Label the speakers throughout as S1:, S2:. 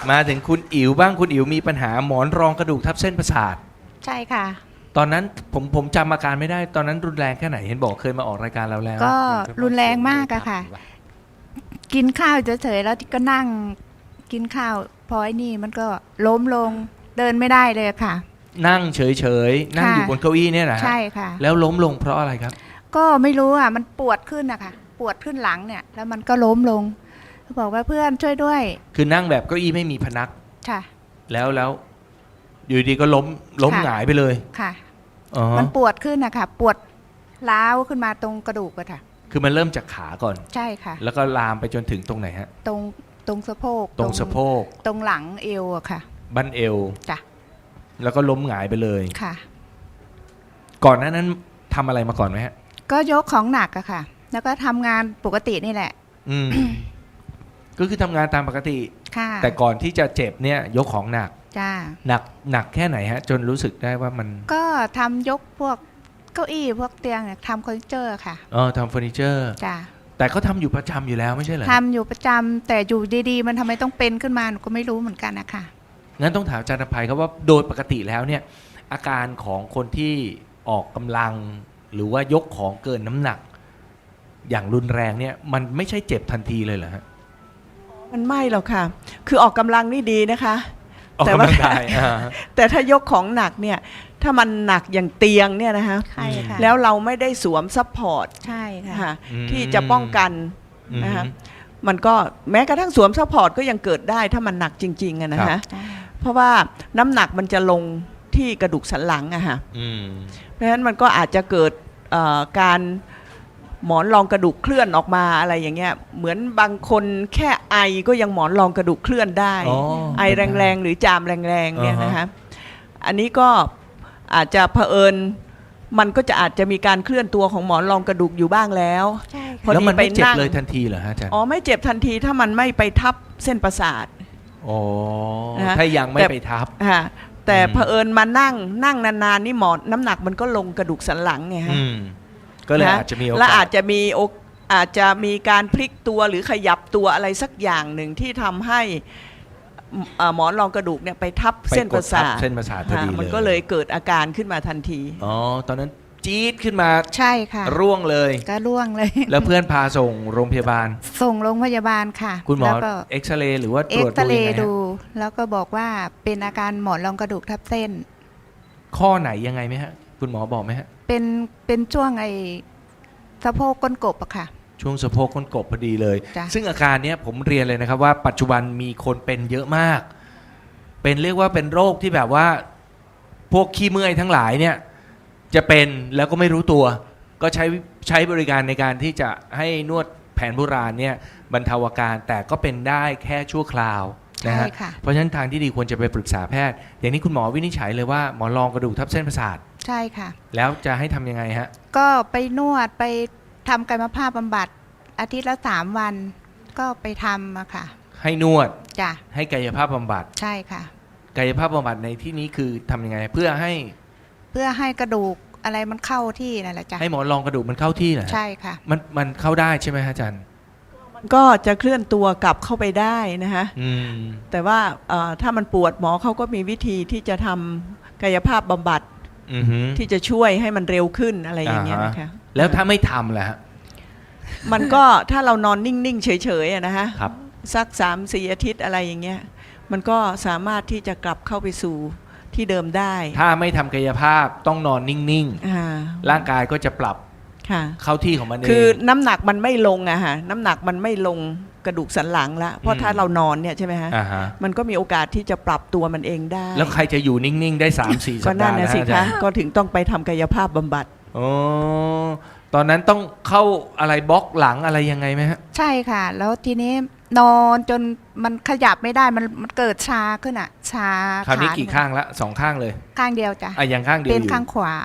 S1: มาถึงคุณอิ๋วบ้างคุณอิ๋วมีปัญหาหมอนรองกระดูกทับเส้นประสาท
S2: ใช่ค่ะ
S1: ตอนนั้นผมจำอาการไม่ได้ตอนนั้นรุนแรงแค่ไหนเห็นบอกเคยมาออกรายการเราแล้ว
S2: ก็รุนแรงมากอะค่ะกินข้าวเฉยๆแล้วก็นั่งกินข้าวพอไอ้นี่มันก็ล้มลงเดินไม่ได้เลยค่ะ
S1: นั่งเฉยๆนั่งอยู่บนเก้าอี้เนี่ยนะ
S2: ใช่ค่ะ
S1: แล้วล้มลงเพราะอะไรครับ
S2: ก็ไม่รู้อะมันปวดขึ้นอะค่ะปวดขึ้นหลังเนี่ยแล้วมันก็ล้มลงบอกว่าเพื่อนช่วยด้วย
S1: คือนั่งแบบเก้าอี้ไม่มีพนัก
S2: ค่ะ
S1: แล้วอยู่ดีก็ล้มหงายไปเลย
S2: ค่ะมันปวดขึ้นอะค่ะปวดร้าวขึ้นมาตรงกระดูกอะค่ะ
S1: คือมันเริ่มจากขาก่อน
S2: ใช่ค่ะ
S1: แล้วก็ลามไปจนถึงตรงไหนฮะ
S2: ตรงสะโพก
S1: ตรงสะโพก
S2: ตรงหลังเอวอะค่ะ
S1: บั้นเอว
S2: จ้ะ
S1: แล้วก็ล้มหงายไปเลย
S2: ค่ะ
S1: ก่อนหน้านั้นทำอะไรมาก่อนไหมฮะ
S2: ก็ยกของหนักอะค่ะแล้วก็ทำงานปกตินี่แหละ
S1: ก็คือทำงานตามปกติแต่ก่อนที่จะเจ็บเนี่ยยกของหนัก
S2: จ้า
S1: หนักแค่ไหนฮะจนรู้สึกได้ว่ามัน
S2: ก็ทำยกพวกเก้าอี้พวกเตียงเนี่ยทำเฟอร์นิเจอร์ค่ะ
S1: ทำเฟอร์นิเจอร์
S2: จ้า
S1: แต่เขาทำอยู่ประจำอยู่แล้วไม่ใช่เหรอ
S2: ทำอยู่ประจำแต่อยู่ดีๆมันทำไมต้องเป็นขึ้นมาหนูก็ไม่รู้เหมือนกันนะคะ
S1: งั้นต้องถามอาจารย์อภัยครับว่าโดยปกติแล้วเนี่ยอาการของคนที่ออกกำลังหรือว่ายกของเกินน้ำหนักอย่างรุนแรงเนี่ยมันไม่ใช่เจ็บทันทีเลยเหรอฮะ
S3: มันไม่หรอกค่ะคือออกกำลังนี่ดีนะคะ
S1: แต่ว่า
S3: แต่ถ้ายกของหนักเนี่ยถ้ามันหนักอย่างเตียงเนี่ยนะคะแล้วเราไม่ได้สวมซัพพอร์ต
S2: ใช่ค่ะ
S3: ที่จะป้องกันนะคะมันก็แม้กระทั่งสวมซัพพอร์ตก็ยังเกิดได้ถ้ามันหนักจริงๆอะนะคะเพราะว่าน้ำหนักมันจะลงที่กระดูกสันหลังอะค่ะเพราะฉะนั้นมันก็อาจจะเกิดการหมอนรองกระดูกเคลื่อนออกมาอะไรอย่างเงี้ยเหมือนบางคนแค่ไอก็ยังหมอนรองกระดูกเคลื่อนได้ไอแรงๆหรือจามแรงๆเนี่ยนะคะอันนี้ก็อาจจะเผอิญมันก็จะอาจจะมีการเคลื่อนตัวของหมอนรองกระดูกอยู่บ้างแล้ว
S1: แล้วมันไม่เจ็บเลยทันทีเหรอฮะอาจารย์
S3: ไม่เจ็บทันทีถ้ามันไม่ไปทับเส้นประสาท
S1: ถ้ายังไม่ไปทับ
S3: แต่เผอิญมานั่งนานๆนี่หมอนน้ำหนักมันก็ลงกระดูกสันหลังไงฮะ
S1: ก็เลยอาจจะมีโอกาส
S3: และอาจจะมีการพลิกตัวหรือขยับตัวอะไรสักอย่างหนึ่งที่ทำให้หมอนรองกระดูกเนี่ยไปทับเส้นประสาท
S1: พอดีเลย
S3: มันก็เลยเกิดอาการขึ้นมาทันที
S1: ตอนนั้นจี๊ดขึ้นมา
S2: ใช่ค่ะ
S1: ร่วงเลย
S2: ก็ร่วงเลย
S1: แล้วเพื่อนพาส่งโรงพยาบาล
S2: ส่งโรงพยาบาลค่ะ
S1: คุณหมอเอ็กซเรย์หรือว่าตรวจ
S2: ดูแล้วก็บอกว่าเป็นอาการหมอนรองกระดูกทับเส้น
S1: ข้อไหนยังไงไหมฮะคุณหมอบอกไหมฮะ
S2: เป็นช่วงสะโพกก้นกบอะค่ะ
S1: ช่วงสะโพกก้นกบพอดีเลยซึ่งอาการนี้ผมเรียนเลยนะครับว่าปัจจุบันมีคนเป็นเยอะมากเป็นเรียกว่าเป็นโรคที่แบบว่าพวกขี้เมื่อยทั้งหลายเนี่ยจะเป็นแล้วก็ไม่รู้ตัวก็ใช้บริการในการที่จะให้นวดแผนโบราณเนี่ยบรรเทาอาการแต่ก็เป็นได้แค่ชั่วคราวนะฮะเพราะฉะนั้นทางที่ดีควรจะไปปรึกษาแพทย์อย่างนี้คุณหมอวินิจฉัยเลยว่าหมอนรองกระดูกทับเส้นประสาท
S2: ใช่ค่ะ
S1: แล้วจะให้ทำยังไงฮะ
S2: ก็ไปนวดไปทำกายภาพบำบัดอาทิตย์ละ3 วันก็ไปทำอะค่ะ
S1: ให้นวด
S2: จ้ะ
S1: ให้กายภาพบำบัด
S2: ใช่ค่ะ
S1: กายภาพบำบัดในที่นี้คือทำยังไงเพื่อให้
S2: กระดูกอะไรมันเข้าที่นั่นแหละจ้ะ
S1: ให้หมอนรองกระดูกมันเข้าที่เหรอ
S2: ใช่ค่ะ
S1: มันเข้าได้ใช่ไหมอาจารย์
S3: มันก็จะเคลื่อนตัวกลับเข้าไปได้นะฮะแต่ว่าถ้ามันปวดหมอเขาก็มีวิธีที่จะทำกายภาพบำบัดที่จะช่วยให้มันเร็วขึ้นอะไรอย่างเงี้ยนะคะ
S1: แล้วถ้าไม่ทำล่ะ
S3: มันก็ถ้าเรานอนนิ่งๆเฉยๆนะฮะสัก3-4 อาทิตย์อะไรอย่างเงี้ยมันก็สามารถที่จะกลับเข้าไปสู่ที่เดิมได้
S1: ถ้าไม่ทำกายภาพต้องนอนนิ่งๆร่างกายก็จะปรับเข้าที่ของมันเอง
S3: คือน้ำหนักมันไม่ลงอะฮะน้ำหนักมันไม่ลงกระดูกสันหลังละเพราะถ้าเรานอนเนี่ยใช่ไหมฮะมันก็มีโอกาสที่จะปรับตัวมันเองได้
S1: แล้วใครจะอยู่นิ่งๆได้ 3-4 สัปดาห์
S3: นะสิคะก็ถึงต้องไปทำกายภาพบำบัด
S1: ตอนนั้นต้องเข้าอะไรบล็อกหลังอะไรยังไงไหมฮะ
S2: ใช่ค่ะแล้วทีนี้นอนจนมันขยับไม่ได้มันเกิดชาขึ้นอ่ะชา
S1: คราวนี้กี่ข้างละ2 ข้างเลย
S2: ข้างเดียวจ้ะ
S1: ยังข้างเดียว
S2: เป็นข้างขวา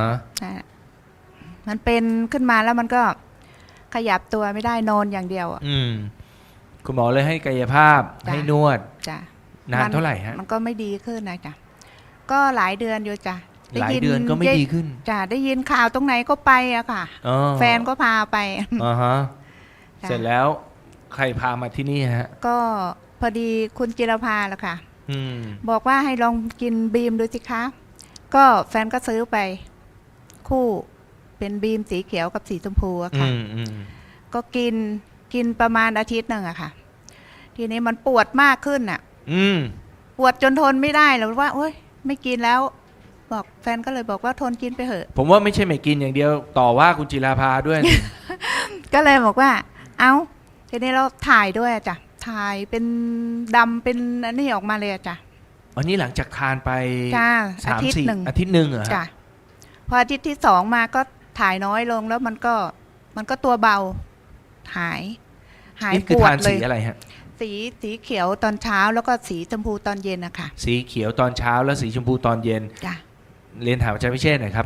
S2: มันเป็นขึ้นมาแล้วมันก็ขยับตัวไม่ได้นอนอย่างเดียว
S1: คุณหมอเลยให้กายภาพให้นวด
S2: จ้ะ
S1: นานเท่าไหร่ฮะ
S2: มันก็ไม่ดีขึ้นนะจ้ะก็หลายเดือนอยู่จ้ะ
S1: หลายเดือนก็ไม่ดีขึ้น
S2: จ้ะได้ยินข่าวตรงไหนก็ไปอะค่ะแฟนก็พาไป
S1: เสร็จแล้วใครพามาที่นี่ฮะ
S2: ก็พอดีคุณจิรภาแหละค่ะ
S1: อืม
S2: บอกว่าให้ลองกินบีมดูสิคะ ก็แฟนก็ซื้อไป คู่เป็นบีมสีเขียวกับสีชมพูอะ
S1: อื
S2: ค่ะ
S1: มอืม
S2: ก็กินประมาณอาทิตย์หนึ่งอะค่ะ ทีนี้มันปวดมากขึ้นอะ
S1: อืม
S2: ปวดจนทนไม่ได้แล้วว่าโอ๊ยไม่กินแล้ว บอกแฟนก็เลยบอกว่าทนกินไปเถอะ
S1: ผมว่าไม่ใช่ไม่กินอย่างเดียวต่อว่าคุณจิราภาด้วย
S2: ก็เลยบอกว่า เอาทีนี้เราถ่ายด้วยอะจ้ะถ่ายเป็นดำเป็นอันนี้ออกมาเลยอะจ้ะ
S1: อันนี้หลังจากทานไป
S2: จ้า
S1: สาม
S2: อาทิตย์
S1: สี่
S2: หนึ่ง
S1: อาทิตย์หนึ่งเหรอฮะ
S2: จ้ะพออาทิตย์ที่สองมาก็ถ่ายน้อยลงแล้วมันก็ตัวเบา หาย
S1: นี่คือ
S2: ปวด
S1: ทาน
S2: เล
S1: สี
S2: ย
S1: อะไรฮะ
S2: สีเขียวตอนเช้าแล้วก็สีชมพูตอนเย็นนะคะ
S1: สีเขียวตอนเช้าแล้วสีชมพูตอนเย็น
S2: จ้ะ
S1: เรียนถามอาจารย์พิเชษฐ์หน่อยครับ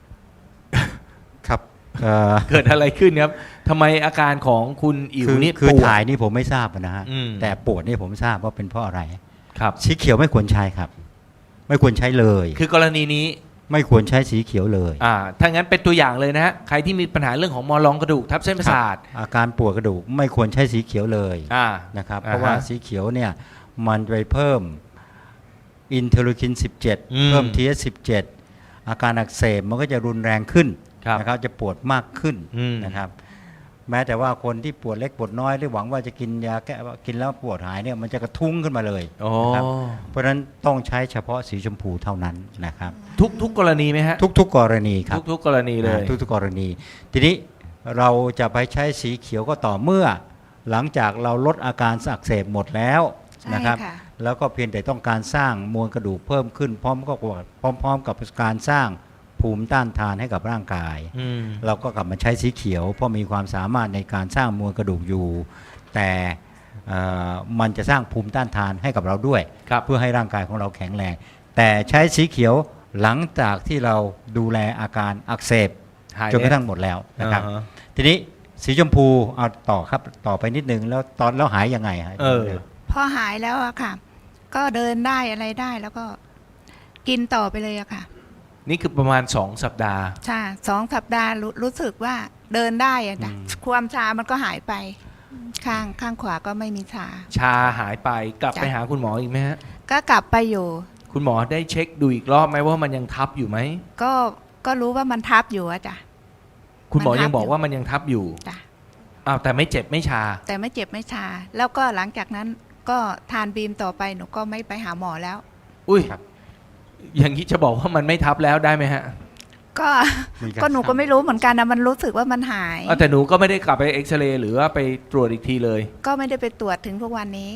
S4: ครับ
S1: เกิดอะไรขึ้นครับทำไมอาการของคุณอิ๋วนี่
S4: คือ
S1: ปวด
S4: ถ่ายนี่ผมไม่ทราบนะฮะ
S1: อืม
S4: แต่ปวดนี่ผมทราบว่าเป็นเพราะอะไร
S1: ครับ
S4: สีเขียวไม่ควรใช้ครับ ไม่ควรใช้เลย
S1: คือกรณีนี้
S4: ไม่ควรใช้สีเขียวเลย
S1: ถ้างั้นเป็นตัวอย่างเลยนะฮะใครที่มีปัญหาเรื่องของมอลองกระดูกทับเส้นประสาท
S4: อาการปวดกระดูกไม่ควรใช้สีเขียวเลย
S1: อ่า
S4: นะครับ
S1: อ่าฮะ
S4: เพราะว่าสีเขียวเนี่ยมันไปเพิ่มอินเทอร์ลูคิน
S1: อืม
S4: 17 เพิ่ม TS17 อาการอักเสบมันก็จะรุนแรงขึ้น
S1: ครับ
S4: นะครับจะปวดมากขึ้น
S1: อืม
S4: นะครับ แม้แต่ว่าคนที่ปวดเล็กปวดน้อยหรือหวังว่าจะกินยาแก้กินแล้วปวดหายเนี่ยมันจะกระทุ้งขึ้นมาเลย
S1: โอ้
S4: นะครับ เพราะฉะนั้นต้องใช้เฉพาะสีชมพูเท่านั้นนะครับ
S1: ทุกกรณีไหมฮะ
S4: ทุกๆกรณีครับ
S1: ทุกกรณีเลย
S4: ทุกๆกรณี ทีนี้เราจะไปใช้สีเขียวก็ต่อเมื่อ หลังจากเราลดอาการอักเสบหมดแล้ว
S2: ใช่
S4: นะครับ
S2: ค่ะ
S4: แล้วก็เพียงแต่ต้องการสร้างมวลกระดูกเพิ่มขึ้นพร้อมกับการสร้างภูมิต้านทานให้กับร่างกาย
S1: อืม
S4: เราก็กลับมาใช้สีเขียวเพราะมีความสามารถในการสร้างมวลกระดูกอยู่ แต่มันจะสร้างภูมิต้านทานให้กับเราด้วย
S1: ครับ
S4: เพื่อให้ร่างกายของเราแข็งแรง แต่ใช้สีเขียวหลังจากที่เราดูแลอาการอักเสบ
S1: หาย
S4: จนกระทั่งหมดแล้วนะครับ
S1: อ่าฮะ
S4: ทีนี้สีชมพูเอาต่อครับต่อไปนิดนึงแล้วตอนแล้วหายยังไงฮะ
S2: พอหายแล้วอะค่ะ ก็เดินได้อะไรได้แล้วก็กินต่อไปเลยอะค่ะ
S1: นี่คือประมาณ2 สัปดาห์
S2: ใช่2 สัปดาห์รู้สึกว่าเดินได้อะจ้ะความชามันก็หายไป ข้างขวาก็ไม่มีชา
S1: ชาหายไปกลับ
S2: จ้ะ
S1: ไปหาคุณหมออีกไหมฮะ
S2: ก็กลับไปอยู่
S1: คุณหมอได้เช็คดูอีกรอบไหมว่ามันยังทับอยู่ไหม
S2: ก็รู้ว่ามันทับอยู่อะจ้ะ
S1: คุณหมอ
S2: มันทับ
S1: ยังบอกว่ามันยังทับอยู่
S2: จ้ะ
S1: อ้าวแต่ไม่เจ็บไม่ชา
S2: แต่ไม่เจ็บไม่ชา แล้วก็หลังจากนั้นก็ทานบีมต่อไปหนูก็ไม่ไปหาหมอแล้ว
S1: อุ้ยอย่างนี้จะบอกว่ามันไม่ทับแล้วได้ไหมฮะ
S2: ก็
S4: มีาร
S2: ก็หนูก็ไม่รู้เหมือนกันนะมันรู้สึกว่ามันหาย
S1: แต่หนูก็ไม่ได้กลับไปเอ็กซเรย์หรือว่าไปตรวจอีกทีเลย
S2: ก็ไม่ได้ไปตรวจถึงทุกวันนี้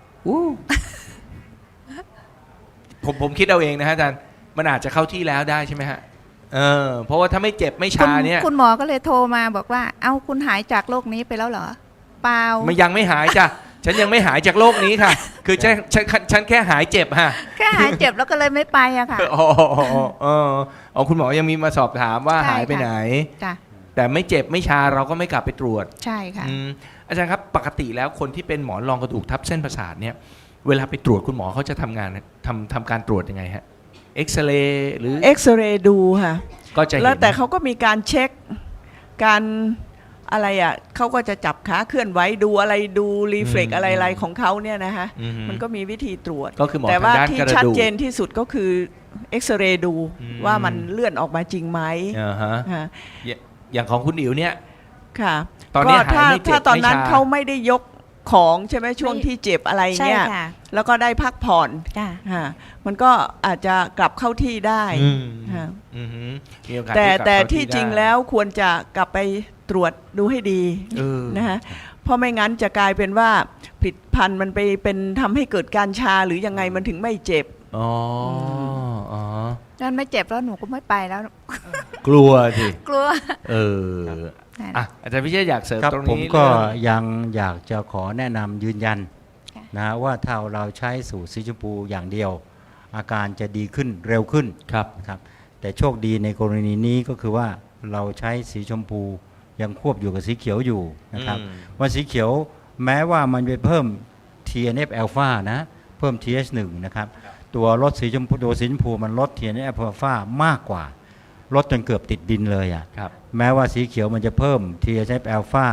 S1: ผมคิดเอาเองนะฮะอาจารย์มันอาจจะเข้าที่แล้วได้ใช่ไหมฮะเพราะว่าถ้าไม่เจ็บไม่ชาเนี่ย
S2: คุณหมอก็เลยโทรมาบอกว่า เอ้าคุณหายจากโรคนี้ไปแล้วเหรอ เปล่า
S1: มันยังไม่หายจ้ะ ฉันยังไม่หายจากโรคนี้ค่ะ คือฉันแค่หายเจ็บฮะ
S2: แค่หายเจ็บแล้วก็เลยไม่ไปอะค่ะ
S1: อ๋อคุณหมอยังมีมาสอบถามว่า
S2: ใช่
S1: หายไป
S2: ค่ะ
S1: ไหน
S2: จ้ะ
S1: แต่ไม่เจ็บไม่ชาเราก็ไม่กลับไปตรวจ
S2: ใช่ค่ะ
S1: อาจารย์ครับปกติแล้วคนที่เป็นหมอนรองกระดูกทับเส้นประสาทเนี่ยเวลาไปตรวจคุณหมอเขาจะทำการตรวจยังไงฮะเอ็กซเรย์หรือ
S3: เอ็กซเรย์ดูค่ะ
S1: ก็จะเห็น
S3: แล้วแต่เขาก็มีการเช็คการอะไรอ่ะเขาก็จะจับขาเคลื่อนไหวดูอะไรดูรีเฟล็กอะไรของเขาเนี่ยนะคะ
S1: อือฮึ
S3: มันก็มีวิธีตรวจ
S1: ก็คือหมอ
S3: แต่
S1: ทาง
S3: ว่า
S1: ด้าน
S3: ที่
S1: กระ
S3: ชัด
S1: ดูก
S3: เจนที่สุดก็คือเอ็กซเรย์ดู
S1: อืม
S3: ว่ามันเลื่อนออกมาจริงไหม
S1: อ่าฮะ
S3: ค่ะ
S1: อย่างของคุณอิ๋วเนี่ย
S3: ค่ะ
S1: ตอนนี้
S3: ก็ถ้า
S1: หายไม่เจ็บ
S3: ถ้าตอนนั้น
S1: ไม่ชา
S3: เขาไม่ได้ยกของใช่ไหมช่วง
S2: ไม่
S3: ที่เจ็บอะไร
S2: ใช่
S3: เนี่ย
S2: ค่ะ
S3: แล้วก็ได้พักผ่อน
S2: จ้ะ
S3: ค่ะมันก็อาจจะกลับเข้าที่ได้
S1: อืม
S3: ค่ะ
S1: อืมมีโอกาส
S3: แต่
S1: ได้กลับ
S3: แต่
S1: เข้า
S3: ที่จริง
S1: ได้
S3: แล้วควรจะกลับไปตรวจดูให้ดี
S1: เออ
S3: นะฮะเพราะไม่งั้นจะกลายเป็นว่าผลิตภัณฑ์มันไปเป็นทำให้เกิดการชาหรือยังไงมันถึงไม่เจ็บ
S1: อ๋ออ๋อ
S2: นั่นไม่เจ็บแล้วหนูก็ไม่ไปแล้ว
S1: กลัวสิ
S2: กลัว
S1: เอออ่ะอาจารย์พิเชษอยากเสริม
S4: ครับ
S1: ตรง
S4: ผม
S1: นี้
S4: ก็
S1: เรื่อง
S4: ยังอยากจะขอแนะนำยืนยัน
S2: ค่ะ
S4: นะว่าถ้าเราใช้สูตรสีชมพูอย่างเดียว อาการจะดีขึ้นเร็วขึ้น
S1: ครับ
S4: นะครับแต่โชคดีในกรณีนี้ก็คือว่าเราใช้สีชมพูยังควบอยู่กับสีเขียวอยู่นะครับ ว่าสีเขียวแม้ว่ามันไปเพิ่ม TNF อ l p h a นะเพิ่ม TH1 นะครับตัวลดสีชมพูตัวสีชมพูมันลด TNF อ l p h a มากกว่าลดจนเกือบติดดินเลยอ่ะ
S1: ครับ
S4: แม้ว่าสีเขียวมันจะเพิ่ม TNF อ l p h a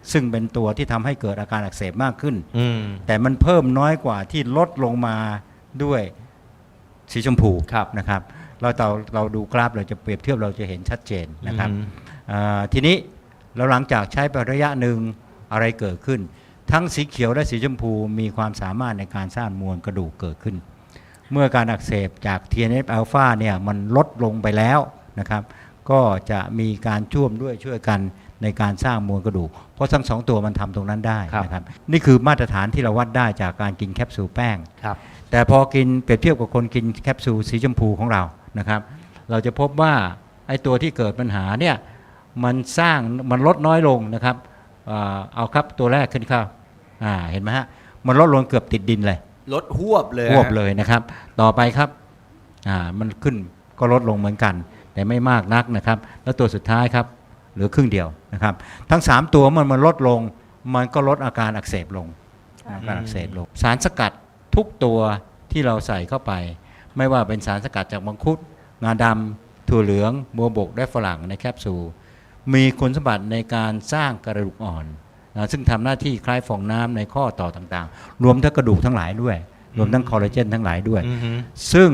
S4: ซึ่งเป็นตัวที่ทำให้เกิดอาการอักเสบมากขึ้น
S1: อืม
S4: แต่มันเพิ่มน้อยกว่าที่ลดลงมาด้วยสีชมพู
S1: ครับ
S4: นะครับเราดูกราฟเราจะเปรียบเทียบเราจะเห็นชัดเจนนะครับ
S1: อืม
S4: ทีนี้เราหลังจากใช้ไประยะหนึ่งอะไรเกิดขึ้น ทั้งสีเขียวและสีชมพูมีความสามารถในการสร้างมวลกระดูกเกิดขึ้น เมื่อการอักเสบจาก TNF อ l p h a เนี่ยมันลดลงไปแล้วนะครับก็จะมีการช่วยกันในการสร้างมวลกระดูกเพราะทั้งสองตัวมันทำตรงนั้นได้นะครับนี่คือมาตรฐานที่เราวัดได้จากการกินแคปซูลแป้ง
S1: ครับ
S4: แต่พอกินเปรียบเทียบกับคนกินแคปซูลสีชมพูของเรานะครับเราจะพบว่าไอ้ตัวที่เกิดปัญหาเนี่ยมันลดน้อยลงนะครับเอาครับตัวแรกขึ้นครับเห็นไหมฮะมันลดลงเกือบติดดินเลย
S1: ลดหวบเลย
S4: ควบเลยนะครับต่อไปครับมันขึ้นก็ลดลงเหมือนกัน แต่ไม่มากนักนะครับแล้วตัวสุดท้ายครับเหลือครึ่งเดียวนะครับทั้ง3ตัวมันลดลงมันก็ลดอาการอักเสบลงสารสกัดทุกตัวที่เราใส่เข้าไปไม่ว่าเป็นสารสกัดจากมังคุดงาดำถั่วเหลืองบัวบกและฝรั่งในแคปซูลมีคุณสมบัติในการสร้างกระดูกอ่อนซึ่งทำหน้าที่คล้ายฟองน้ำในข้อต่อต่างๆรวมทั้งกระดูกทั้งหลายด้วยรวมทั้งคอลลาเจนทั้งหลายด้วย ซึ่ง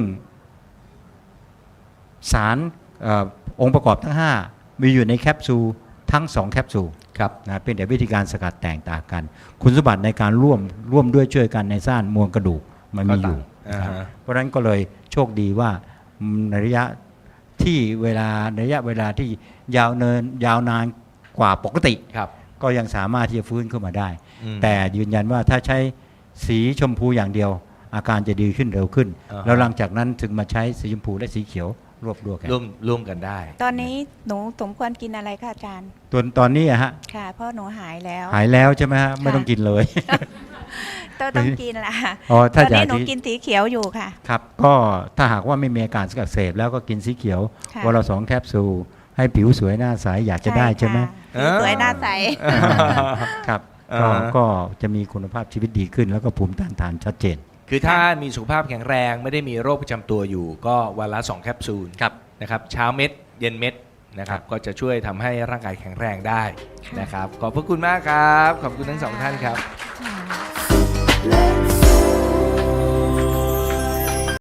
S4: สารองค์ประกอบทั้ง5มีอยู่ในแคปซูลทั้ง2แคปซูล
S1: ครับ
S4: นะเป็นแต่วิธีการสกัดแตกต่างกัน คุณสมบัติในการร่วมด้วยช่วยกันในสร้างมวลกระดูกมันมีอยู่นะครับเพราะฉะนั้นก็เลยโชคดีว่าในระยะที่ระยะเวลาที่ยาวนานกว่าปกติ
S1: ครับ
S4: ก็ยังสามารถที่จะฟื้นขึ้นมาได้
S1: อืม
S4: แต่ยืนยันว่าถ้าใช้สีชมพูอย่างเดียว อาการจะดีขึ้นเร็วขึ้น แล้วหลังจากนั้นถึงมาใช้สีชมพูและสีเขียวรวบกัน
S1: ร่วมกันได้
S2: ตอนนี้หนูสมควรกินอะไรคะอาจารย์
S4: ตอนนี้อะฮะ
S2: ค่ะเพราะหนูหายแล้ว
S4: หายแล้วใช่ไหมฮะไม่ต้องกินเลย
S2: ต้องกินละ
S4: อ๋อ
S2: ต
S4: ถ้า
S2: อน
S4: อยา
S2: นี้
S4: ก
S2: หนู
S4: ที่
S2: กินสีเขียวอยู่ค่ะ
S4: ครับก็ถ้าหากว่าไม่มีอาการอักเสบแล้วก็กินสีเขียว
S2: ค่ะ
S4: วันละ2แคปซูลให้ผิวสวยหน้าใสอยากจะได้ใช่ไหม
S2: ค่ะสวยหน้าใส
S4: ครับ
S1: อ่า
S4: ก็จะมีคุณภาพชีวิตดีขึ้น แล้วก็ภูมิต้านทานชัดเจน
S1: คือถ้ามีสุขภาพแข็งแรงไม่ได้มีโรคประจำตัวอยู่ ก็วันละ2แคปซูล
S4: ครับ
S1: นะครับเช้าเม็ดเย็นเม็ดนะครับก็จะช่วยทำให้ร่างกายแข็งแรงได้นะครับขอบพระคุณมากครับ ขอบคุณทั้งสองท่านครับ
S2: ค่ะ
S5: Let's